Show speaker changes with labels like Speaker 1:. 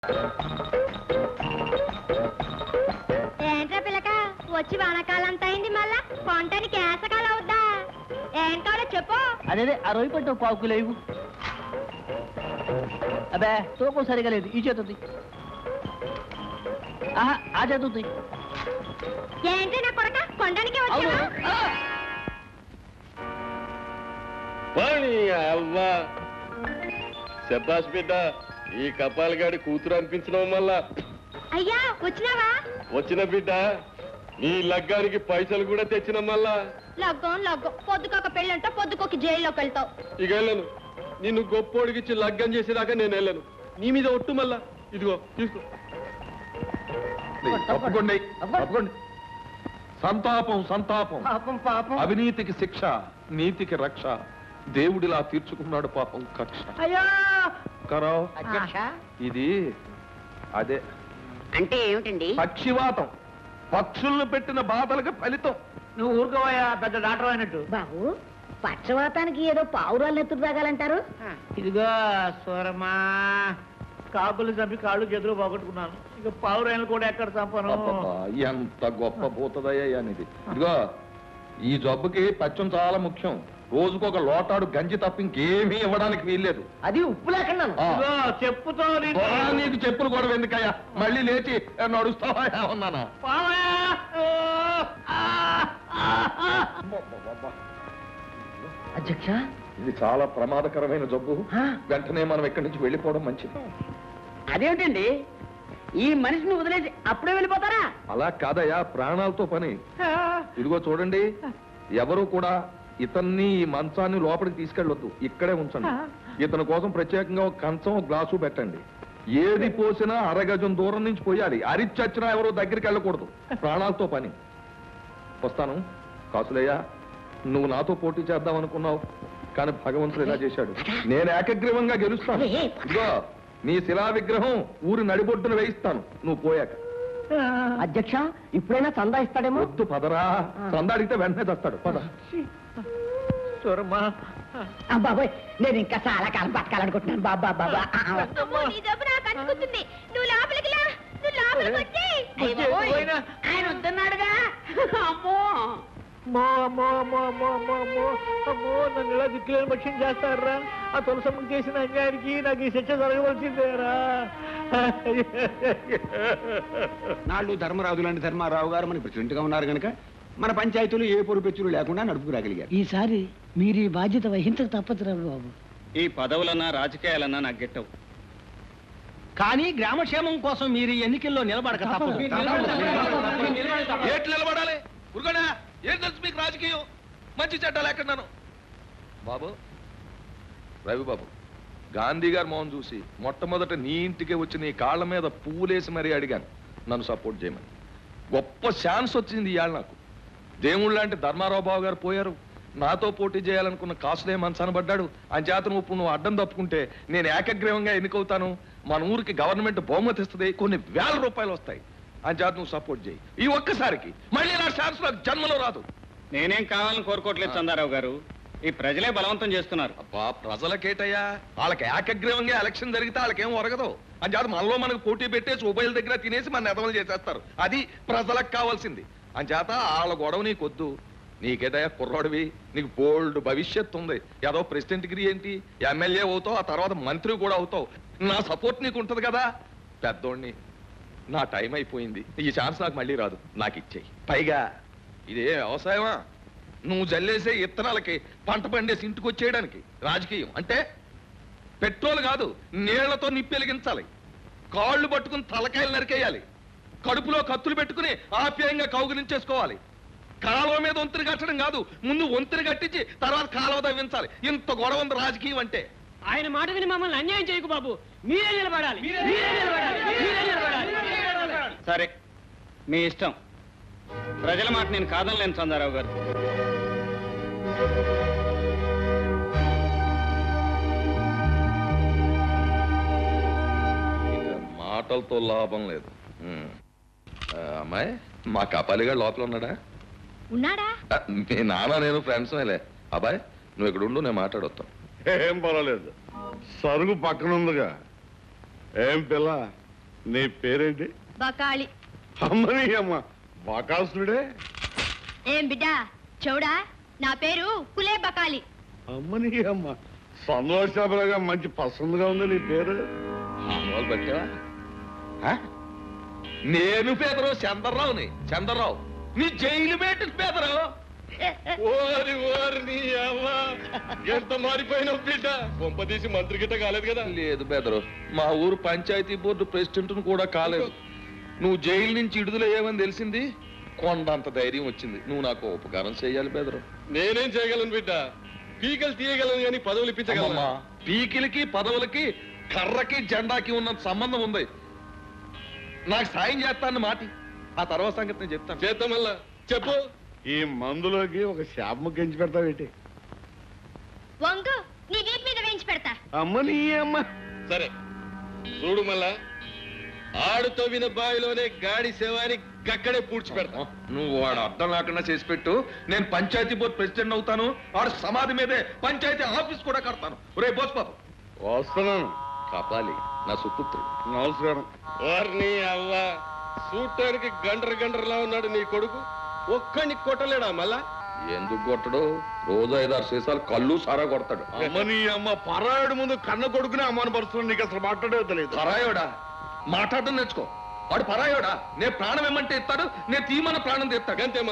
Speaker 1: ఏంట్రా పిల్లక వచ్చి వానకాలంత అయింది, మళ్ళా కొంటానికి ఏసకాలం అవుద్దా? ఏం కావాలో చెప్పు.
Speaker 2: అదే ఆ రొయ్యి పట్టు పావు కిలో ఇవ్వు. అబ్బే తూకం సరిగా లేదు, ఈ చేతుంది. ఆహా ఆ చేతుంది.
Speaker 1: ఏంటి నా కొడక కొండానికి వచ్చా?
Speaker 3: శబాష్ బిడ్డ, ఈ కపాలగాడి కూతురు అనిపించడం వల్ల
Speaker 1: అయ్యా వచ్చినావా?
Speaker 3: వచ్చిన బిడ్డ, నీ లగ్గానికి పైసలు కూడా తెచ్చిన మళ్ళా.
Speaker 1: లగ్గం పొద్దుకొక పెళ్ళంటో పొద్దుకొక జైల్లోకి వెళ్తావు.
Speaker 3: ఇక వెళ్ళను, నిన్ను గొప్పోడికిచ్చి లగ్గం చేసేదాకా నేను వెళ్ళను. నీ మీద ఒట్టు మళ్ళా. ఇదిగో తీసుకో.
Speaker 4: తప్పకుండా సంతాపం సంతాపం.
Speaker 2: పాపం పాపం.
Speaker 4: అవినీతికి శిక్ష, నీతికి రక్ష. దేవుడిలా తీర్చుకున్నాడు పాపం కక్ష.
Speaker 2: అయ్యో
Speaker 4: కరావ్
Speaker 2: అధ్యక్ష.
Speaker 4: ఇది అదే
Speaker 5: అంటే ఏమిటండి?
Speaker 4: పక్షివాతం. పక్షులను పెట్టిన బాధలకు ఫలితం.
Speaker 2: నువ్వు ఊరుకోవయ్యా, పెద్ద డాక్టర్ అయినట్టు.
Speaker 5: బాబు, పక్షవాతానికి ఏదో పావురాలు ఎత్తుకు తాగాలంటారు.
Speaker 2: ఇదిగో సూరమ్మా, కాకులు చంపి కాళ్ళు చేతులు పోగొట్టుకున్నాను. ఇక పావురాయలు కూడా ఎక్కడ చంపను.
Speaker 4: అబ్బబ్బా, ఎంత గొప్ప భూతదయ్యా ఇది. ఇదిగో ఈ జబ్బుకి పచ్చం చాలా ముఖ్యం. రోజుకొక లోటాడు గంజి తప్ప ఇంకేమీ ఇవ్వడానికి వీల్లేదు.
Speaker 5: అది ఉప్పు లేకుండా.
Speaker 2: చెప్పుతో
Speaker 4: నీకు చెప్పులు కూడా ఎందుకయ్యా? మళ్ళీ లేచి నడుస్తావా ఉన్నానా?
Speaker 5: అధ్యక్ష,
Speaker 4: ఇది చాలా ప్రమాదకరమైన జబ్బు. వెంటనే మనం ఇక్కడి నుంచి వెళ్ళిపోవడం మంచిది.
Speaker 5: అదేమిటండి, ఈ మనిషిని వదిలేసి అప్పుడే వెళ్ళిపోతారా?
Speaker 4: అలా కాదయ్యా, ప్రాణాలతో పని. ఇదిగో చూడండి, ఎవరు కూడా ఇతన్ని ఈ మంచాన్ని లోపలికి తీసుకెళ్ళొద్దు, ఇక్కడే ఉంచండి. ఇతని కోసం ప్రత్యేకంగా ఒక కంచం, ఒక గ్లాసు పెట్టండి. ఏది పోసినా అరగజం దూరం నుంచి పోయాలి. అరిచచ్చినా ఎవరు దగ్గరికి వెళ్ళకూడదు. ప్రాణాలతో పని. వస్తాను. కాసులయ్యా, నువ్వు నాతో పోటీ చేద్దాం అనుకున్నావు, కానీ భగవంతుడు ఇలా చేశాడు. నేను ఏకగ్రీవంగా గెలుస్తాను. ఇదిగో నీ శిలా విగ్రహం ఊరి నడిబొడ్డును వేయిస్తాను నువ్వు పోయాక.
Speaker 5: అధ్యక్ష, ఇప్పుడైనా చందా ఇస్తాడేమో.
Speaker 4: వద్దు పదరా, చందా అడిగితే వెంటనే తెస్తాడు. పద.
Speaker 2: సూరమ్మా,
Speaker 5: బాబాయ్, నేను ఇంకా చాలా కాలం బతకాలనుకుంటున్నాను. బాబా బాబా.
Speaker 1: నీ జబ్బు నాకు అంటుకుంటుంది. నువ్వు లోపలికి లా, నువ్వు లోపలికి వచ్చి.
Speaker 5: ఆయన వద్దన్నాడుగా. అమ్మో
Speaker 2: నన్ను ఇలా దిక్కులేని పక్షం చేస్తారా? ఆ తులసమ్మకి చేసిన అన్యాయానికి నాకు ఈ శిక్ష జరగవలసిందేరా?
Speaker 6: నాళ్ళు ధర్మరాజు లాంటి ధర్మారావు గారు మన ప్రెసిడెంట్ గా ఉన్నారు కనుక మన పంచాయతీలు ఏ పొరుపెచ్చులు లేకుండా నడుపుకురాగలిగారు.
Speaker 5: ఈసారి మీరు ఈ బాధ్యత వహించక తప్పదు బాబు.
Speaker 7: ఈ పదవులన్నా రాజకీయాలన్నా నాకు గెట్టవు,
Speaker 2: కానీ గ్రామక్షేమం కోసం మీరు ఎన్నికల్లో నిలబడక తప్పదు.
Speaker 4: ఏట్లు నిలబడాలి? ఉరుగడా, ఏం తెలుసు మీకు రాజకీయం? మంచి చెడ్డలు ఎక్కడున్నాను బాబు. రవిబాబు, గాంధీ గారు మోహన్ చూసి మొట్టమొదట నీ ఇంటికే వచ్చి నీ కాళ్ళ మీద పువ్వులేసి మరీ అడిగాను నన్ను సపోర్ట్ చేయమని. గొప్ప ఛాన్స్ వచ్చింది ఇవాళ నాకు. దేవుళ్ళు లాంటి ధర్మారావు బాబు గారు పోయారు. నాతో పోటీ చేయాలనుకున్న కాసులే మనసాన పడ్డాడు. అని చేత నువ్వు అడ్డం తప్పుకుంటే నేను ఏకగ్రీవంగా ఎన్నికవుతాను. మన ఊరికి గవర్నమెంట్ బహుమతి ఇస్తుంది, కొన్ని వేల రూపాయలు వస్తాయి. అని చేత నువ్వు సపోర్ట్ చేయి. ఈ ఒక్కసారికి మళ్ళీ నా ఛాన్స్ నాకు జన్మలో రాదు.
Speaker 7: నేనేం కావాలని కోరుకోవట్లేదు చందారావు గారు, ఈ ప్రజలే బలవంతం చేస్తున్నారు.
Speaker 4: అబ్బా, ప్రజలకేటయ్యా? వాళ్ళకి ఏకగ్రీవంగా ఎలక్షన్ జరిగితే వాళ్ళకేం ఒరగదు. అని చేత మనలో మనకు పోటీ పెట్టేసి ఉభయల దగ్గర తినేసి మన ఎదవలు చేసేస్తారు. అది ప్రజలకు కావాల్సింది. అని చేత వాళ్ళ గొడవ నీకొద్దు. నీకేదయ్యా కుర్రాడివి, నీకు బోల్డ్ భవిష్యత్తు ఉంది. ఏదో ప్రెసిడెంట్ డిగ్రీ ఏంటి, ఎమ్మెల్యే అవుతావు, ఆ తర్వాత మంత్రి కూడా అవుతావు. నా సపోర్ట్ నీకు ఉంటుంది కదా. పెద్దోడిని, నా టైం అయిపోయింది. ఈ ఛాన్స్ నాకు మళ్ళీ రాదు, నాకు ఇచ్చేయి. పైగా ఇదే వ్యవసాయమా? నువ్వు జల్లేసే ఇత్తనాలకి పంట పండేసి ఇంటికి వచ్చేయడానికి రాజకీయం అంటే పెట్రోల్ కాదు, నీళ్లతో నిప్పి వెలిగించాలి. కాళ్ళు పట్టుకుని తలకాయలు నరికేయాలి. కడుపులో కత్తులు పెట్టుకుని ఆప్యాయంగా కౌగిలించేసుకోవాలి. కాలువ మీద వంతుని కట్టడం కాదు, ముందు వంతుని కట్టించి తర్వాత కాలువ తవ్వించాలి. ఇంత గొడవ ఉంది రాజకీయం అంటే.
Speaker 2: ఆయన మాట విని మమ్మల్ని అన్యాయం చేయకు బాబు. మీరే నిలబడాలి.
Speaker 7: సరే, మీ ఇష్టం. ప్రజల మాట నేను కాదనలేను చందారావు గారు.
Speaker 4: మాటలతో లాభం లేదు. అమ్మాయి, మా కపాలిగా లోపల ఉన్నాడా?
Speaker 1: ఉన్నాడా?
Speaker 4: మీ నాన్న నేను ఫ్రెండ్స్ మేలే. అబ్బాయి, నువ్వు ఇక్కడ ఉండు, నేను మాట్లాడొస్తాను.
Speaker 3: ఏం పర్వాలేదు, సరుగు పక్కన ఉందిగా. ఏం పిల్ల,
Speaker 8: నీ పేరేంటి?
Speaker 1: బకాళి.
Speaker 8: అమ్మని అమ్మ బాకాసుడే.
Speaker 1: ఏం బిడ్డా చౌడా, నా పేరు కులే బకాలి.
Speaker 8: అమ్మని అమ్మ సంతోషాపరగా మంచి పసందుగా ఉంది నీ పేరు.
Speaker 4: మామూలు పట్టావా? నేను పేదరావు చంద్రరావుని. చంద్రరావు నీ జైలు పెట్టి పేదరావు.
Speaker 3: ఓరి ఓరి నీ అవ్వ ఎంత మారిపోయిన బిడ్డ. కొంపదీసి మంత్రి గిట్ట కాలేదు కదా?
Speaker 4: లేదు పేదరావు, మా ఊరు పంచాయతీ బోర్డు ప్రెసిడెంట్ కూడా కాలేదు. నువ్వు జైలు నుంచి విడుదలయ్యావని తెలిసింది, కొండంత ధైర్యం వచ్చింది. నువ్వు నాకు ఉపకారం చేయాలి పేదరావు.
Speaker 3: నేనేం చేయగలను బిడ్డ? పీకలు తీయగలను కానీ పదవులు ఇప్పించగలమా?
Speaker 4: పీకిలకి పదవులకి కర్రకి జెండాకి ఉన్న సంబంధం ఉంది. నాకు సాయం చేస్తాను మాటి, ఆ తర్వాత సంగతి నేను చెప్తాను.
Speaker 3: చేద్దాం మళ్ళా చెప్పు.
Speaker 8: ఈ మందులోకి ఒక శాపము గెంచి పెడతావేటి?
Speaker 1: వంగు నీ వీపు మీద వేయించి పెడతా.
Speaker 8: అమ్మని అమ్మ.
Speaker 3: సరే చూడు మళ్ళా, ఆడుతో విన బావిలోనే గాడి సేవాని గక్కడే పూడ్చి పెడతా.
Speaker 4: నువ్వు వాడు అర్థం లేకుండా చేసి పెట్టు. నేను పంచాయతీ బోర్డు ప్రెసిడెంట్ అవుతాను. వాడు సమాధి మీదే పంచాయతీ ఆఫీస్ కూడా కడతాను. రే బోస్పాపు
Speaker 8: వస్తున్నాను.
Speaker 4: కాపాలి నా సుపుత్రుడు.
Speaker 8: నమస్కారం.
Speaker 3: వారిని అవ్వ చూడటానికి గండ్రలా ఉన్నాడు నీ కొడుకు. ఒక్కడిని కొట్టలేడా మళ్ళా?
Speaker 4: ఎందుకు కొట్టడు? రోజు 5-6 సీసాలు కళ్ళు సారా కొడతాడు.
Speaker 8: అమ్మని అమ్మ పరాయుడు ముందు కన్న కొడుకునే అవమానపరుస్తున్నాడు. నీకు అసలు మాట్లాడే తెలియదు.
Speaker 4: పరాయోడా? మాట్లాడడం నేర్చుకో. వాడు పరాయోడా? నేను ప్రాణం ఏమంటే ఇస్తాడు, నేను తీమన్న ప్రాణం తీస్తాడు.
Speaker 3: అంతే.